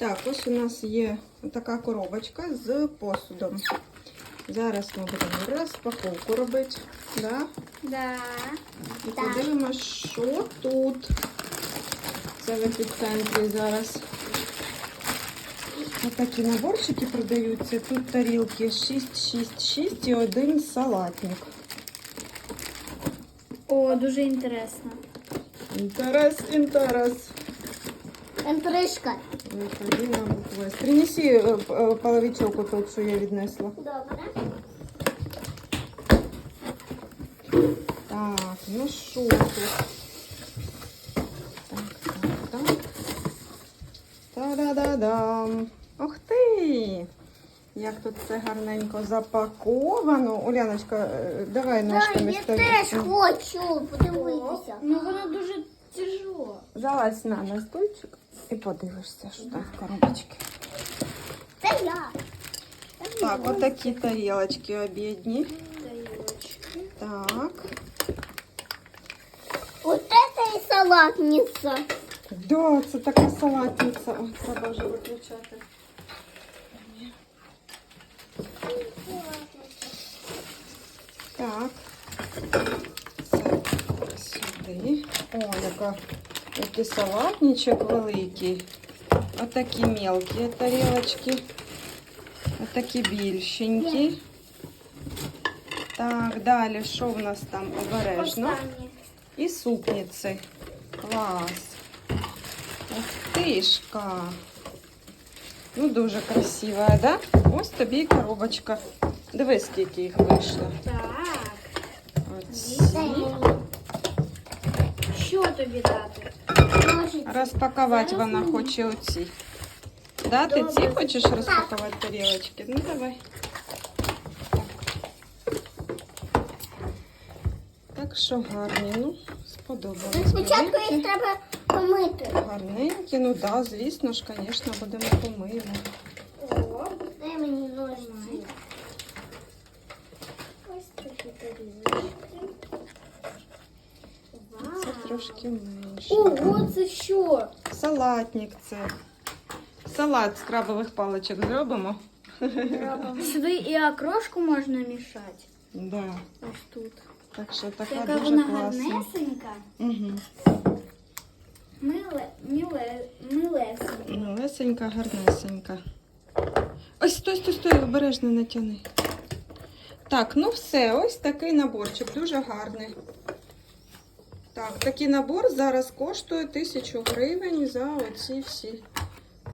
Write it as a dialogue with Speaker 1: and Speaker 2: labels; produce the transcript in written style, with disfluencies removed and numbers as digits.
Speaker 1: Так, ось у нас є така коробочка з посудом. Зараз ми будемо розпаковку робити. Да?
Speaker 2: Да.
Speaker 1: І подивимось, що тут. Це в епіцентрі зараз. Ось такі наборчики продаються. Тут тарілки 6 і один салатник.
Speaker 2: О, дуже інтересно.
Speaker 1: Інтерес.
Speaker 2: Інтрижка.
Speaker 1: Принеси половичок, тот, що я віднесла.
Speaker 2: Добре.
Speaker 1: Так, ну що тут? Так. Та-да-да-дам. Ух ти! Як тут все гарненько запаковано. Уляночка, давай ножками
Speaker 2: Я теж хочу подивитися. Ну воно дуже тяжело.
Speaker 1: Залазь на стульчик і подивишся, що там в коробочці.
Speaker 2: Це я.
Speaker 1: Так, от такі тарілочки обідні. Так.
Speaker 2: Вот это і салатниця.
Speaker 1: Да, це така салатниця. Ой, треба вже виключати. Так. Це сюди. О, який салатничок великий. Отакі мелкі тарілочки. Отакі більшенькі. Так, далі, що в нас там обережно? І супниці. Клас. Ух тишка. Ну, дуже красива, да? Ось тобі і коробочка. Дивись, скільки їх вийшло.
Speaker 2: Так.
Speaker 1: Оці.
Speaker 2: Що тобі дати?
Speaker 1: Розпакувати вона хоче оці. Да, ти ці хочеш розпакувати тарілочки? Ну, давай. Так що гарні, ну, сподобалось.
Speaker 2: Спочатку їх треба помити.
Speaker 1: Гарненькі, ну да, звісно ж, звісно, будемо помити.
Speaker 2: О, дай мені ножниці. Ось такі тарілочки.
Speaker 1: Це трошки менше.
Speaker 2: Ого, це що?
Speaker 1: Салатник це. Салат з крабових паличок зробимо.
Speaker 2: Сюди і окрошку можна мішати.
Speaker 1: Да.
Speaker 2: Ось тут.
Speaker 1: Так що така
Speaker 2: Яка
Speaker 1: дуже
Speaker 2: вона
Speaker 1: класна.
Speaker 2: гарнесенька.
Speaker 1: Угу.
Speaker 2: Милесенька.
Speaker 1: Малесенька, гарнесенька. Ось, стой, обережно натягни. Так, ну все, ось такий наборчик, дуже гарний. Так, такий набор зараз коштує 1000 гривень за оці всі